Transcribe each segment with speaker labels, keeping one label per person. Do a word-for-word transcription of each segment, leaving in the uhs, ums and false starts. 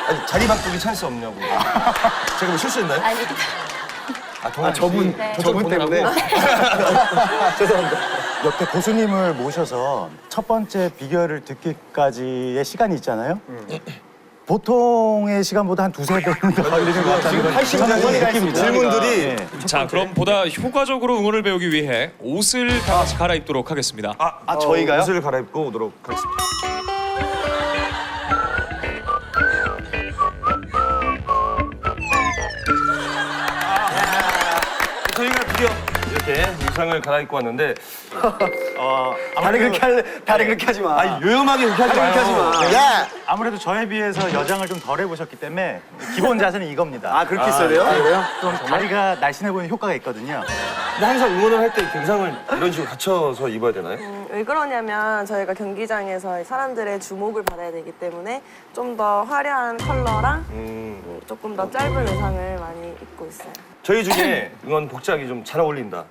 Speaker 1: 아니, 자리 바꾸기 찬스 없냐고. 제가 뭐 실수했나요?
Speaker 2: 아니,
Speaker 1: 아, 아
Speaker 3: 저분,
Speaker 2: 네.
Speaker 3: 저분 때문에.
Speaker 1: 죄송합니다.
Speaker 4: 옆에 고수님을 모셔서 첫 번째 비결을 듣기까지의 시간이 있잖아요. 보통의 시간보다 한 두세 배는 더 걸리는 것 같아요.
Speaker 1: 지금 팔십 분 질문들이.
Speaker 5: 자, 그럼 보다 효과적으로 응원을 배우기 위해 옷을 다 같이 갈아입도록 하겠습니다.
Speaker 1: 아,
Speaker 3: 아, 저희가요?
Speaker 1: 옷을 갈아입고 오도록 하겠습니다. 저희가 드디어 이렇게 의상을 갈아입고 왔는데
Speaker 3: 어, 다리 그렇게 할래? 다리 그렇게 하지 마.
Speaker 1: 아니 요염하게 그렇게 하지
Speaker 3: 그렇게 하지
Speaker 1: 마요.
Speaker 3: 마.
Speaker 1: 네.
Speaker 3: 야!
Speaker 4: 아무래도 저에 비해서 여장을 좀 덜 해보셨기 때문에 기본 자세는 이겁니다.
Speaker 3: 아, 그렇게 있어야 돼요? 그래요?
Speaker 4: 좀 다리가 날씬해 보이는 효과가 있거든요.
Speaker 1: 근데 항상 응원을 할 때 의상을 이런 식으로 갖춰서 입어야 되나요?
Speaker 6: 음, 왜 그러냐면 저희가 경기장에서 사람들의 주목을 받아야 되기 때문에 좀 더 화려한 컬러랑
Speaker 1: 음,
Speaker 6: 음, 조금 더 짧은 의상을 많이 입고 있어요.
Speaker 1: 저희 중에 응원 복장이 좀 잘 어울린다.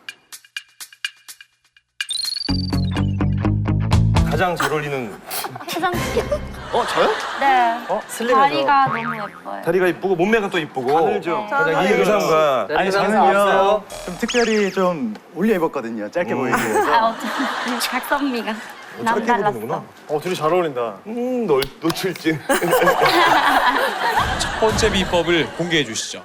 Speaker 1: 가장 잘 어울리는
Speaker 2: 화장실.
Speaker 3: 어, 저요?
Speaker 2: 네.
Speaker 3: 슬림해서.
Speaker 2: 다리가 너무 예뻐요.
Speaker 1: 다리가 이쁘고 몸매가 또 이쁘고
Speaker 3: 가늘죠.
Speaker 1: 가장 이 의상과
Speaker 3: 네.
Speaker 4: 아니
Speaker 3: 의상
Speaker 4: 저는요
Speaker 3: 나왔어요.
Speaker 4: 좀 특별히 좀 올려 입었거든요. 짧게 보이기
Speaker 2: 아,
Speaker 4: 위해서.
Speaker 2: 어쩌면 각선미가
Speaker 1: 짧게
Speaker 2: 남달랐어.
Speaker 1: 보는구나.
Speaker 3: 어, 둘이 잘 어울린다.
Speaker 1: 음, 널 놓칠지.
Speaker 5: 첫 번째 비법을 공개해 주시죠.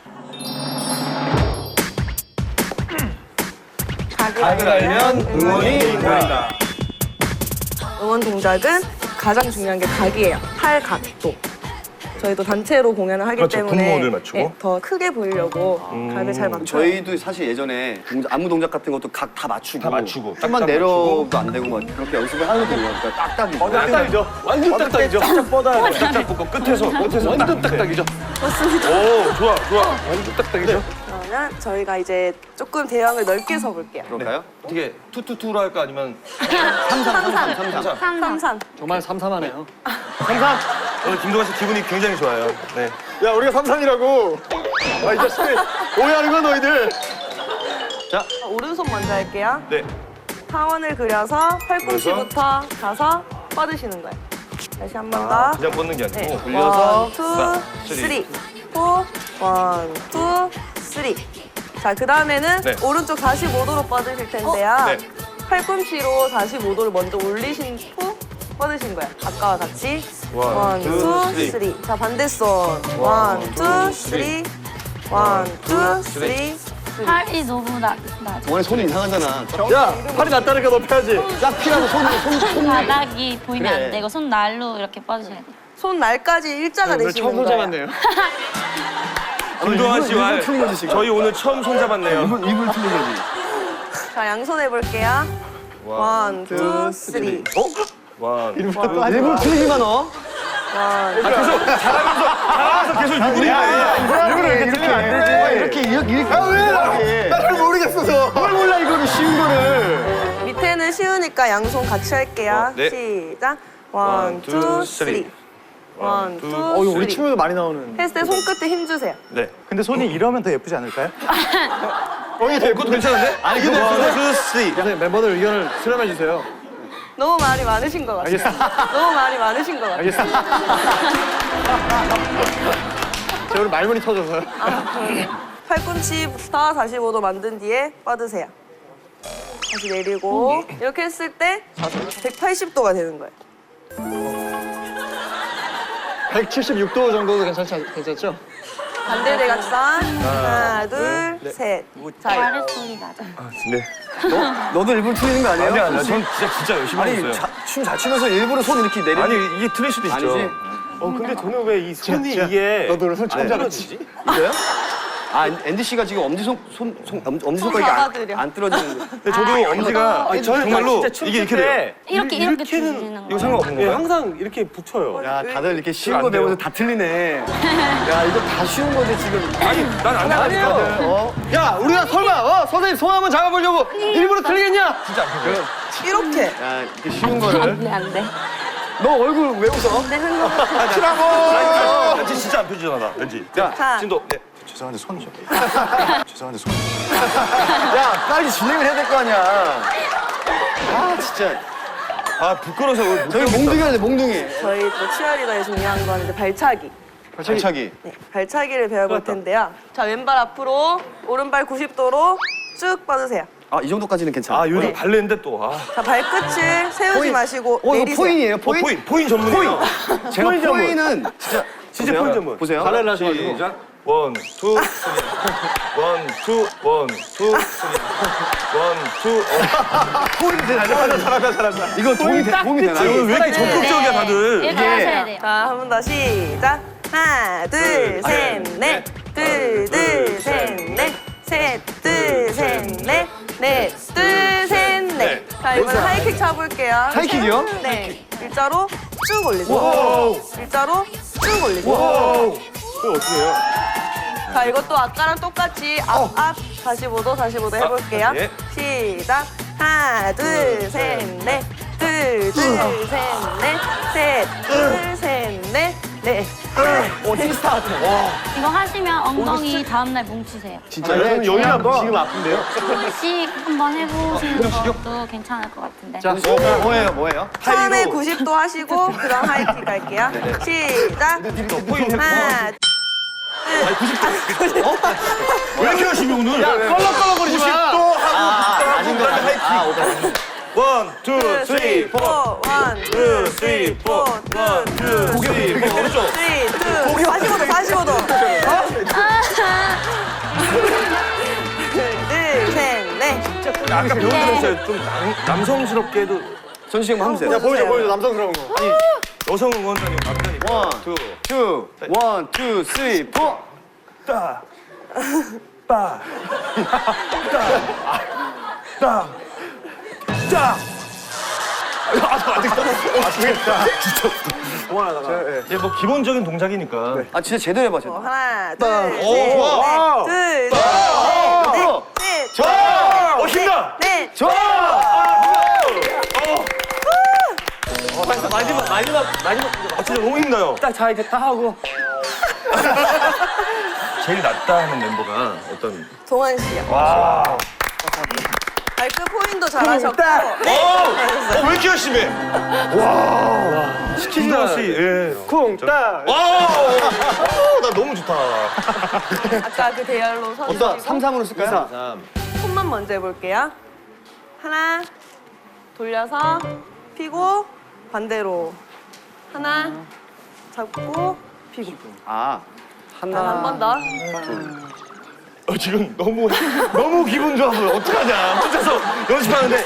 Speaker 1: 각을 알면 응원이 보인다.
Speaker 6: 응원 동작은 가장 중요한 게 각이에요. 팔 각도. 저희도 단체로 공연을 하기
Speaker 1: 그렇죠,
Speaker 6: 때문에
Speaker 1: 분모를 맞추고.
Speaker 6: 네, 더 크게 보이려고 각을 잘 맞춰요.
Speaker 3: 저희도 사실 예전에 동작, 안무 동작 같은 것도 각 다 맞추고
Speaker 1: 다 맞추고,
Speaker 3: 좀만
Speaker 1: 딱딱
Speaker 3: 내려도 안 되고 막 그렇게 연습을 하거든요. 그러니까 딱딱이.
Speaker 1: 어, 딱딱이죠. 완전 딱딱이죠. 쫙쫙 뻗어야 돼. 쫙쫙 뻗고 끝에서 끝에서 완전 딱딱이죠.
Speaker 6: 맞습니다.
Speaker 1: 오, 좋아, 좋아. 완전 딱딱이죠.
Speaker 6: 그러면 저희가 이제 조금 대왕을 넓게 서볼게요.
Speaker 3: 그럴까요?
Speaker 1: 어떻게 투투투로 할까 아니면
Speaker 6: 삼삼.
Speaker 1: 삼삼.
Speaker 6: 삼삼.
Speaker 3: 정말 삼삼하네요.
Speaker 1: 오늘 김동완 씨 기분이 굉장히 좋아요. 네.
Speaker 3: 야, 우리가 삼삼이라고. 아, 이 자식들 오해하는 거야, 너희들. 자,
Speaker 6: 오른손 먼저 할게요.
Speaker 1: 네.
Speaker 6: 타원을 그려서 팔꿈치부터 가서 뻗으시는 거예요. 다시 한 번 더.
Speaker 1: 그냥 뻗는 게 아니고
Speaker 6: 네.
Speaker 1: 굴려서
Speaker 6: 원, 투,
Speaker 1: 하나,
Speaker 6: 쓰리. 포, 원, 투, 쓰리. 자, 그 다음에는
Speaker 1: 네.
Speaker 6: 오른쪽 사십오 도로 뻗으실 텐데요.
Speaker 1: 네.
Speaker 6: 팔꿈치로 사십오 도를 먼저 올리신 후 뻗으신 거예요. 아까와 같이.
Speaker 1: 원,
Speaker 6: 원,
Speaker 1: 투,
Speaker 6: 투,
Speaker 1: 쓰리.
Speaker 6: 쓰리. 자, 반대손. 원, 투, 쓰리. 원, 투, 쓰리.
Speaker 2: 팔이 너무 나, 낮아.
Speaker 3: 원래 손이 이상하잖아. 야, 팔이 낮다니까 높여야지. 짝 피라고 손, 손, 손.
Speaker 2: 바닥이 보이면
Speaker 3: 그래.
Speaker 2: 안 되고 손 날로 이렇게 뻗으셔야 돼요.
Speaker 6: 손 날까지 일자가 되시는 거예요.
Speaker 1: 김동완 씨와
Speaker 3: 일본 틀린 거지, 지금.
Speaker 1: 저희 오늘 처음 손잡았네요.
Speaker 3: 입을, 입을 틀린 거지.
Speaker 6: 자, 양손 해볼게요. 원, 투, 쓰리.
Speaker 1: 원.
Speaker 3: 일부러 틀리지만 너.
Speaker 6: 원,
Speaker 1: 잘하면서 계속 유부리.
Speaker 3: 일부러 이렇게 틀리면 안 되지. 이렇게, 이렇게, 이렇게. 아, 왜? 나잘 모르겠어서. 뭘 몰라, 이거는 쉬운 거를.
Speaker 6: 밑에는 쉬우니까 양손 같이 할게요.
Speaker 1: 어, 네.
Speaker 6: 시작.
Speaker 1: 원,
Speaker 6: 원,
Speaker 1: 투,
Speaker 6: 투,
Speaker 1: 쓰리.
Speaker 6: 쓰리. 원, 투,
Speaker 3: 어, 이거 우리
Speaker 6: 쓰리.
Speaker 3: 춤에도 많이 나오는.
Speaker 6: 했을 때 손끝에 힘 주세요.
Speaker 1: 네.
Speaker 4: 근데 손이 이러면 더 예쁘지 않을까요?
Speaker 1: 어, 이게 그것도 괜찮은데? 아니, 근데 원, 투, 쓰리.
Speaker 3: 선생님, 멤버들 의견을 수렴해 주세요.
Speaker 6: 너무 말이 많으신 것 같아요. 너무 말이 많으신 것 같아요.
Speaker 3: 알겠습니다. 저 오늘 말문이 터져서요.
Speaker 6: 팔꿈치부터 사십오 도 만든 뒤에 뻗으세요. 다시 내리고 이렇게 했을 때 백팔십 도가 되는 거예요.
Speaker 3: 백칠십육 도 정도도 괜찮지, 괜찮죠?
Speaker 6: 반대 대각선. 하나, 둘, 셋. 자,
Speaker 2: 발의 소리 나죠.
Speaker 1: 네.
Speaker 3: 너도 일부러 틀리는 거 아니에요?
Speaker 1: 아니, 아니, 전 진짜, 진짜 열심히 했어요.
Speaker 3: 춤 잘 추면서 일부러 손 이렇게 내리는
Speaker 1: 아니, 이게 틀릴 수도 있죠.
Speaker 3: 아니지?
Speaker 1: 어, 근데 저는 왜 이 손이 이게.
Speaker 3: 너도 오늘 손 처음 잡았지? 이거요? 아, 앤디 씨가 지금 엄지손, 손, 손, 엄- 엄지손가락이
Speaker 6: 잡아드려.
Speaker 3: 안, 안 떨어지는데.
Speaker 1: 근데 저도 엄지가
Speaker 7: 아니, 저는
Speaker 1: 정말로
Speaker 7: 진짜 춤출
Speaker 1: 이게 이렇게
Speaker 7: 때
Speaker 1: 돼요.
Speaker 2: 이렇게 이렇게
Speaker 7: 이렇게는
Speaker 2: 주시는
Speaker 1: 이거
Speaker 2: 거예요.
Speaker 1: 상관없는
Speaker 7: 예,
Speaker 1: 거예요?
Speaker 7: 항상 이렇게 붙여요.
Speaker 3: 야, 다들 이렇게 쉬운
Speaker 1: 안
Speaker 3: 거
Speaker 1: 돼요.
Speaker 3: 배워서 다 틀리네. 야, 이거 다 쉬운 거지, 지금.
Speaker 1: 아니, 난 안 나가니까.
Speaker 3: 어? 야, 우리가 설마, 어? 선생님 손 한번 잡아보려고 일부러 틀리겠냐?
Speaker 1: 진짜 안 펴져요.
Speaker 6: 이렇게.
Speaker 3: 야, 이렇게 쉬운 거를.
Speaker 2: 안 돼, 안 돼.
Speaker 3: 너 얼굴 왜 웃어?
Speaker 2: 안 되는 거.
Speaker 1: 나 왠지 진짜 안 펴지잖아, 나. 왠지. 자,
Speaker 6: 자.
Speaker 1: 진도. 네.
Speaker 4: 죄송한데 손 좀. 죄송한데 손.
Speaker 3: 야, 빨리 진행을 해야 될 거 아니야. 아, 진짜.
Speaker 1: 아, 부끄러워서 못
Speaker 3: 저희 몽둥이 하자, 몽둥이.
Speaker 6: 저희 또 치어리더의 중요한 건 이제 발차기.
Speaker 3: 발차기.
Speaker 6: 네, 발차기를 배워볼 텐데요. 자, 왼발 앞으로, 오른발 구십 도로 쭉 뻗으세요.
Speaker 3: 아, 이 정도까지는 괜찮아.
Speaker 1: 아 요즘
Speaker 6: 네.
Speaker 1: 발레인데 또. 아.
Speaker 6: 자, 발끝을 세우지
Speaker 3: 포인.
Speaker 6: 마시고
Speaker 3: 어, 이거
Speaker 6: 내리세요.
Speaker 3: 포인이에요,
Speaker 1: 어,
Speaker 3: 포인?
Speaker 1: 포인 포인 전문이에요.
Speaker 3: 제가
Speaker 1: 포인 전문.
Speaker 3: 포인은 진짜.
Speaker 1: 진짜
Speaker 3: 보세요.
Speaker 1: 포인 전문.
Speaker 3: 보세요.
Speaker 1: 발레를 하셔가지고. 시작. 원, 투, 쓰리. 원, 투, 원, 투, 쓰리. 원, 투.
Speaker 3: 포인이 잘한다, 잘한다, 잘한다. 이거 도움이, 되, 도움이 되나요?
Speaker 1: 아, 오늘 왜 이렇게 적극적이야 다들.
Speaker 2: 이렇게 하셔야 돼요.
Speaker 6: 자, 한 번 더 시작. 하나, 둘, 셋, 넷. 둘, 둘, 셋, 넷. 셋, 둘, 셋, 넷. 넷, 둘, 셋, 넷. 자, 이번엔 하이킥 쳐볼게요.
Speaker 3: 하이킥이요?
Speaker 6: 네. 일자로 쭉 올리세요. 일자로 쭉 올리세요.
Speaker 1: 그거 어떻게 해요?
Speaker 6: 자, 이것도 아까랑 똑같이 앞, 앞, 사십오 도, 사십오 도 해볼게요.
Speaker 1: 예.
Speaker 6: 시작. 하나, 둘, 셋, 넷. 둘, 둘, 셋, 넷. 셋, 둘, 셋, 넷. 넷.
Speaker 3: 오, 시스타 같아.
Speaker 2: 이거 하시면 엉덩이 다음날 뭉치세요.
Speaker 3: 진짜.
Speaker 1: 아, 저는 여기 한번.
Speaker 3: 지금 아픈데요?
Speaker 2: 조금씩 한번 해보시는 것도 괜찮을 것 같은데.
Speaker 3: 자, 뭐, 뭐예요, 뭐예요?
Speaker 6: 처음에 구십 도 하시고 그다음 하이킥 갈게요. 시작.
Speaker 1: 포인
Speaker 6: 하나,
Speaker 1: 왜 이렇게 하시면 오늘?
Speaker 3: 껄렁껄렁거리지 마.
Speaker 1: 또 하고
Speaker 3: 아, 아닌 거
Speaker 1: 아, 원, 투, 쓰리, 포.
Speaker 6: 원,
Speaker 1: 투, 쓰리, 포. 원, 투, 쓰리, 포. 오른쪽.
Speaker 6: 쓰리, 투, 사십오 도, 사십오 도. 둘, 셋, 넷.
Speaker 1: 아까 배운 거 했어요. 좀 남, 남성스럽게도.
Speaker 3: 전시 한번 해보세요.
Speaker 6: 야, 보여줘, 보여줘,
Speaker 3: 남성스러운 거. 아니,
Speaker 1: 여성 응원단이 남자니까.
Speaker 3: 원,
Speaker 1: 투,
Speaker 3: 투, 원, 투, 쓰리, 포.
Speaker 1: 따, 빠, 따, 따, 따. 이제 뭐 기본적인 동작이니까.
Speaker 3: 아, 진짜 제대로 해봐, 제대로.
Speaker 6: 하나, 둘,
Speaker 1: 오,
Speaker 6: 셋,
Speaker 1: 좋아.
Speaker 6: 넷. 둘,
Speaker 3: 오,
Speaker 6: 셋, 넷.
Speaker 3: 좋아!
Speaker 1: 어, 힘다.
Speaker 6: 넷.
Speaker 3: 좋아!
Speaker 1: 마지막, 마지막, 마지막. 아, 진짜 너무 힘나요.
Speaker 3: 딱 자, 이제 딱 하고.
Speaker 1: 제일 낫다 하는 멤버가 어떤.
Speaker 6: 동환 씨요.
Speaker 1: 와.
Speaker 6: 발끝 포인도 잘하셨고.
Speaker 1: 어,
Speaker 6: 네.
Speaker 1: 어, 왜 이렇게 열심히 해? 와. 시킨다 씨. 예.
Speaker 3: 쿵, 따.
Speaker 1: 와. 오, 나 너무 좋다.
Speaker 6: 아까 그 대열로
Speaker 3: 어떤
Speaker 6: 서주시고
Speaker 3: 삼삼으로 쓸까요?
Speaker 6: 손만 먼저 해볼게요. 하나, 돌려서 피고 반대로. 하나, 잡고 피고.
Speaker 3: 아,
Speaker 6: 한
Speaker 3: 하나.
Speaker 6: 번 더.
Speaker 1: 어, 지금 너무 너무 기분 좋아서 어떡하냐. 혼자서 연습하는데.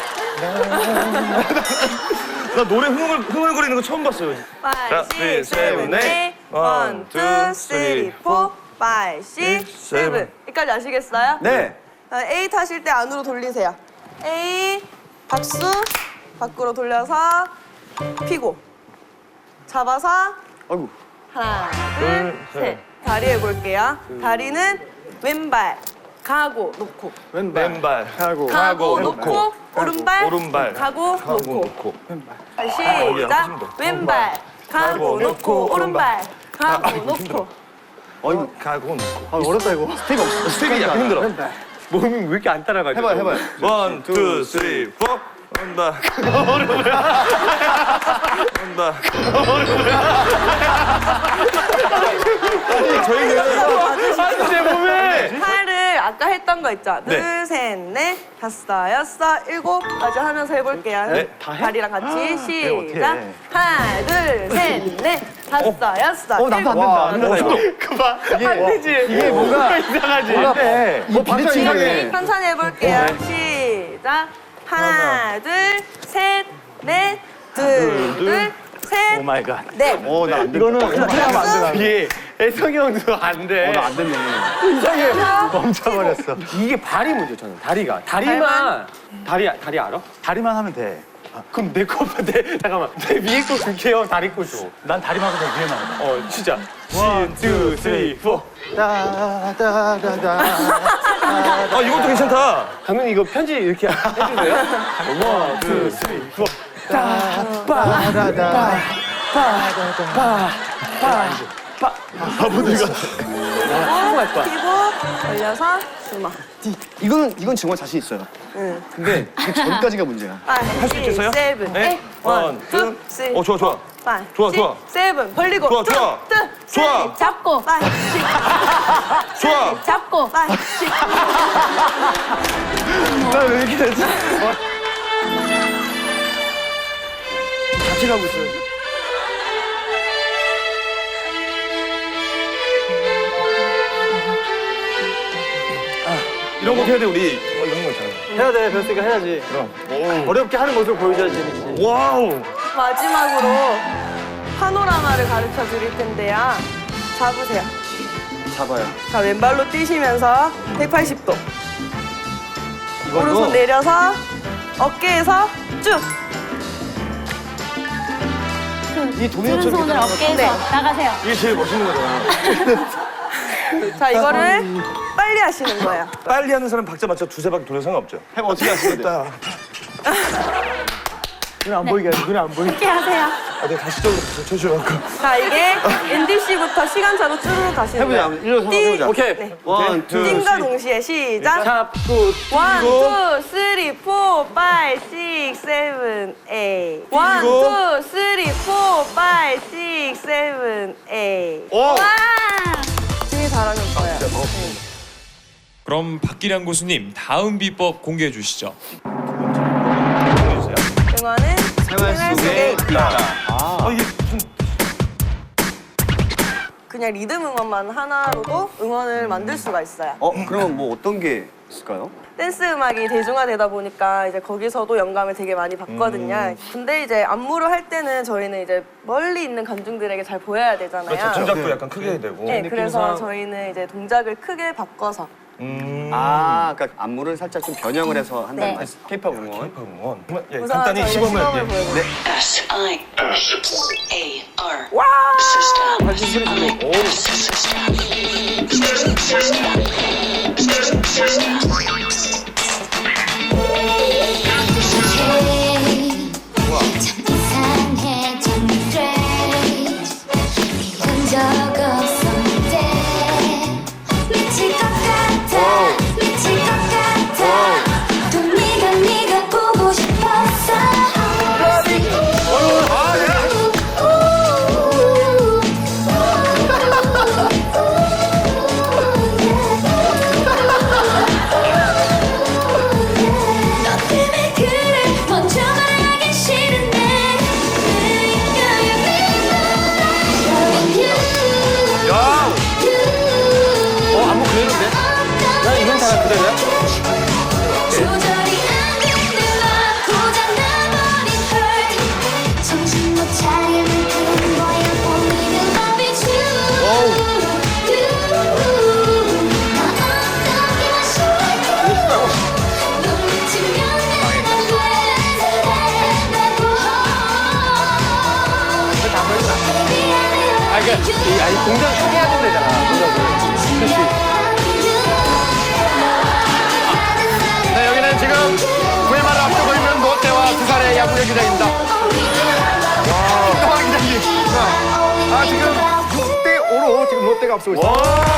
Speaker 1: 나 노래 흥얼 흥얼거리는 거 처음 봤어요.
Speaker 6: 파이브, 육, 칠, 넷. 원, 투, 쓰리, 포. 파이브, 육, 칠. 여기까지 아시겠어요?
Speaker 3: 네.
Speaker 6: 자, 에잇 하실 때 안으로 돌리세요. 에잇, 박수, 밖으로 돌려서 피고. 잡아서
Speaker 3: 아이고.
Speaker 6: 하나, 둘, 셋. 다리 해볼게요. 다리는 왼발 가고 놓고.
Speaker 1: 왼발 하고
Speaker 6: 가고 놓고. 오른발
Speaker 1: 오른발
Speaker 6: 가고
Speaker 1: 하고
Speaker 6: 놓고.
Speaker 1: 놓고.
Speaker 6: 다시
Speaker 1: 여기
Speaker 6: 시작.
Speaker 1: 한번 더.
Speaker 6: 왼발 가고 놓고. 오른발 가고 놓고.
Speaker 3: 아이고.
Speaker 1: 가고 놓고.
Speaker 3: 아, 어렵다, 이거. 스텝이 없어.
Speaker 1: 스텝이 약간 힘들어.
Speaker 3: 몸이 왜 이렇게 안 따라가죠? 해봐요, 해봐요.
Speaker 1: 원, 투, 쓰리, 포. 온다. 온다. 저희는 제 몸에
Speaker 6: 팔을 아까 했던 거 있죠?
Speaker 1: 네.
Speaker 6: 둘, 셋, 넷, 다섯, 여섯, 일곱까지 하면서 해볼게요.
Speaker 1: 네.
Speaker 6: 다리랑 같이
Speaker 3: 어떻게
Speaker 6: 시작.
Speaker 3: 해?
Speaker 6: 하나, 둘, 셋, 넷, 다섯, 여섯,
Speaker 3: 어, 나도 안
Speaker 6: 일곱.
Speaker 3: 된다. 안 된다, 이거.
Speaker 1: 그만.
Speaker 3: 이게 안 되지. 이게 뭔가 이상하지. 뭔가 이 비대칭 이상해.
Speaker 6: 천천히 해볼게요. 시작. 하나, 둘, 셋, 넷, 둘, 둘, 셋,
Speaker 4: 오 마이 갓.
Speaker 6: 넷.
Speaker 3: 어, 나안 된다.
Speaker 1: 이거는
Speaker 6: 박수.
Speaker 1: 이게 애성이 형도 안 돼.
Speaker 3: 어, 나 안 됐네.
Speaker 4: 멈춰버렸어.
Speaker 7: 이게 발이 문제 저는 다리가
Speaker 6: 발만?
Speaker 7: 다리만 다리 다리 알아?
Speaker 4: 다리만 하면 돼.
Speaker 7: 그럼 내 거, 내 잠깐만 내 위에 거 줄게 형 다리 거 줘.
Speaker 4: 난 다리만 하고 내 위에만 해.
Speaker 7: 어 진짜. 원, 투, 쓰리, 포.
Speaker 4: 따다다다.
Speaker 1: 아, 이것도 괜찮다.
Speaker 7: 감독님 이거 편지 이렇게 해주세요. 원, 투, 쓰리, 포.
Speaker 4: 따다다.
Speaker 7: 바보들가.
Speaker 6: 피고, 올려서 주먹.
Speaker 3: 이거는, 이건 정말 자신 있어요.
Speaker 6: 응.
Speaker 3: 근데 그 전까지가 문제야.
Speaker 6: 할
Speaker 1: 수 있겠어요?
Speaker 6: 세븐,
Speaker 1: 네.
Speaker 6: 에잇, 원, 투,
Speaker 1: 투.
Speaker 6: 쓰리,
Speaker 1: 어, 좋아, 좋아.
Speaker 6: 파이,
Speaker 1: 좋아,
Speaker 6: 식,
Speaker 1: 좋아.
Speaker 6: 세븐 벌리고
Speaker 1: 좋아,
Speaker 6: 투,
Speaker 1: 좋아.
Speaker 6: 투,
Speaker 1: 좋아.
Speaker 6: 쓰리, 잡고 파이, 식,
Speaker 1: 좋아.
Speaker 6: 잡고 파이, 식.
Speaker 3: 나왜 이렇게 되지? 같이 가고 있어요.
Speaker 1: 이런 거 해야 돼, 우리. 어, 이런 거 있잖아.
Speaker 3: 해야 돼, 별스가 해야지.
Speaker 1: 그럼.
Speaker 3: 어렵게 하는 모습을 보여줘야지 재밌지.
Speaker 1: 와우.
Speaker 6: 마지막으로 파노라마를 가르쳐 드릴 텐데요. 잡으세요.
Speaker 3: 잡아요.
Speaker 6: 자, 왼발로 뛰시면서 백팔십 도.
Speaker 3: 이걸로?
Speaker 6: 오른손 내려서 어깨에서 쭉.
Speaker 3: 이 도미노처럼
Speaker 2: 오른손을
Speaker 3: 이렇게
Speaker 2: 어깨에서
Speaker 6: 네.
Speaker 2: 나가세요.
Speaker 1: 이게 제일 멋있는 거잖아.
Speaker 6: 자, 이거를 빨리 하시는 거예요.
Speaker 1: 빨리 하는 사람 박자 맞춰 두세 바퀴 돌려 상관없죠.
Speaker 3: 해봐, 어떻게 하시겠다. 눈에 안 보이게 하지, 눈에 안 보이게.
Speaker 2: 이렇게 하세요.
Speaker 1: 아, 내가 다시적으로 쳐주려고.
Speaker 6: 자, 이게 앤디 씨부터 시간차로 쭈르륵 가시는
Speaker 3: 해보자,
Speaker 6: 거예요.
Speaker 3: 일어서
Speaker 6: 띵.
Speaker 3: 해보자. 오케이.
Speaker 6: 네.
Speaker 3: 원, 투,
Speaker 6: 띵과 동시에 시작.
Speaker 3: 잡고.
Speaker 6: 원, 투, 쓰리, 포, 파이, 식, 세븐, 에잇. 원, 투, 쓰리, 포, 파이, 식, 세븐, 에잇.
Speaker 1: 오!
Speaker 2: 와!
Speaker 6: 되게 잘하는 거예요.
Speaker 5: 그럼 박기량 고수님 다음 비법 공개해 주시죠.
Speaker 6: 응원은
Speaker 3: 생활 속에
Speaker 6: 있다.
Speaker 1: 아, 이게 무슨.
Speaker 6: 그냥 리듬 응원만 하나로도 응원을 만들 수가 있어요.
Speaker 3: 어, 그러면 뭐 어떤 게 있을까요?
Speaker 6: 댄스 음악이 대중화되다 보니까 이제 거기서도 영감을 되게 많이 받거든요.
Speaker 1: 음.
Speaker 6: 근데 이제 안무를 할 때는 저희는 이제 멀리 있는 관중들에게 잘 보여야 되잖아요.
Speaker 1: 그렇죠. 동작도 약간 크게 해야 되고.
Speaker 6: 네, 그래서 저희는 이제 동작을 크게 바꿔서
Speaker 1: 음.
Speaker 3: 아, 그러니까 안무를 살짝 좀 변형을 해서 한다는
Speaker 2: 네.
Speaker 3: 말씀. K-팝 응원.
Speaker 1: 응원. 예,
Speaker 6: 우선
Speaker 1: 간단히
Speaker 6: 저희가
Speaker 1: 시범을.
Speaker 6: 시범을
Speaker 1: 예.
Speaker 6: 보여볼게요.
Speaker 8: S I A R
Speaker 6: 와!
Speaker 8: System S I System
Speaker 9: 참 이상해 참 strange 이런 적 없었는데 미칠 것 같아 미칠 것 같아 또 네가 네가 보고 싶었어 너 때문에 그래 먼저 말하기 싫은데
Speaker 1: 야!
Speaker 3: 어, 안무 그대로인데? 나 이건 다 그대로야?
Speaker 9: 조절이 안 되나 고장나버린 hurt 정신 못 차릴 만큼 뭐야 only the love is you 나 어떻게 마실까 넌 미치면 내가 후회된다고
Speaker 3: 아, 이게, 이, 아니, 동작 해야 된다잖아, 동작을. 그렇지. 네, 여기는 지금 구회 말을 앞두고 있는 롯데와 두산의 야구 경기장입니다. 와, 기장님. 아, 지금 육 대 오로 지금 롯데가 앞서고 있어요.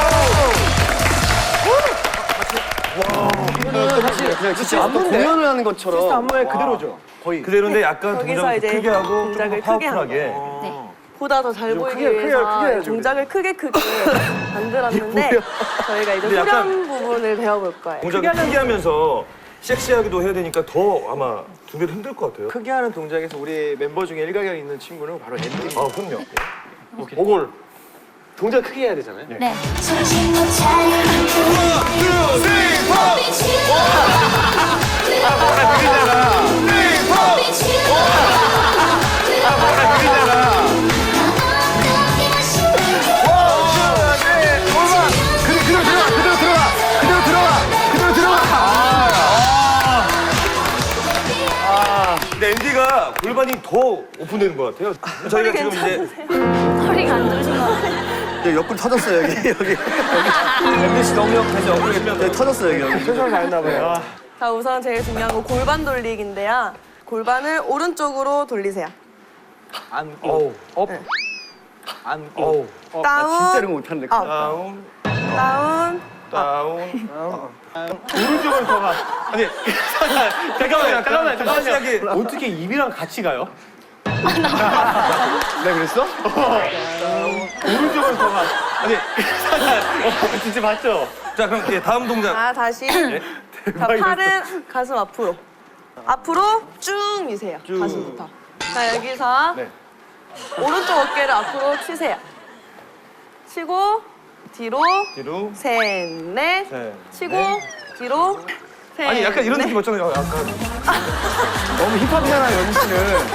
Speaker 3: 이거는 사실 그냥 진짜 공연을 하는 것처럼. 진짜 안무에 그대로죠. 거의.
Speaker 1: 그대로인데 약간
Speaker 6: 거기서
Speaker 1: 동작을
Speaker 6: 이제
Speaker 1: 크게 하고 좀
Speaker 6: 동작을
Speaker 1: 더
Speaker 6: 크게 하는
Speaker 1: 파워풀하게.
Speaker 6: 보다 더 잘 보이기
Speaker 3: 크게, 크게,
Speaker 6: 위해서
Speaker 3: 크게 해야죠,
Speaker 6: 동작을 크게 크게 만들었는데 저희가 이제
Speaker 1: 근데
Speaker 6: 후렴
Speaker 1: 약간
Speaker 6: 부분을 배워볼 거예요.
Speaker 1: 동작을 크게 하면서 섹시하기도 해야 되니까 더 아마 두 배로 힘들 것 같아요.
Speaker 3: 크게 하는 동작에서 우리 멤버 중에 일가견 있는 친구는 바로 앤디.
Speaker 1: 아, 그럼요.
Speaker 3: 오골. 동작 크게 해야 되잖아요.
Speaker 2: 네.
Speaker 9: 정신 못 차릴 만큼
Speaker 3: 그대로 들어가, 그대로 들어가, 그대로 들어가, 그대로 들어가.
Speaker 1: 근데 앤디가 골반이 더 오픈되는 것 같아요. 저희가 지금 이제
Speaker 2: 허리가 안 좋으신 것 같아요.
Speaker 3: 여기 옆구리 터졌어요, 여기, 여기.
Speaker 1: 앤디 씨 너무 옆에서 어그러면
Speaker 3: 여기 터졌어요, 여기, 여기. 최선을 다했나 봐요.
Speaker 6: 자, 우선 제일 중요한 건 골반 돌리기인데요. 골반을 오른쪽으로 돌리세요.
Speaker 3: 안고, 업, 안고. 어, 나
Speaker 6: 다운.
Speaker 3: 진짜 이런 거 못하는데.
Speaker 6: 업.
Speaker 1: 다운,
Speaker 6: 다운,
Speaker 1: 다운.
Speaker 3: 오른쪽을 더 가. 아니, 잠깐만요, 잠깐만요, 잠깐만요.
Speaker 1: 시작이.
Speaker 3: 어떻게 입이랑 같이 가요? 내가 그랬어? 오른쪽을 더 가. 아니, 어, 진짜 맞죠?
Speaker 1: 자, 그럼 예, 다음 동작.
Speaker 6: 자, 다시. 자, 팔은 가슴 앞으로. 앞으로 쭉 미세요.
Speaker 1: 쭉.
Speaker 6: 가슴부터. 자, 여기서
Speaker 1: 네.
Speaker 6: 오른쪽 어깨를 앞으로 치세요. 치고, 뒤로,
Speaker 1: 뒤로.
Speaker 6: 셋, 넷.
Speaker 1: 셋,
Speaker 6: 치고,
Speaker 1: 넷.
Speaker 6: 뒤로, 셋.
Speaker 1: 아니, 약간 이런
Speaker 6: 넷.
Speaker 1: 느낌 왔잖아요. 약간.
Speaker 3: 너무 힙합이잖아요, 연희 씨는.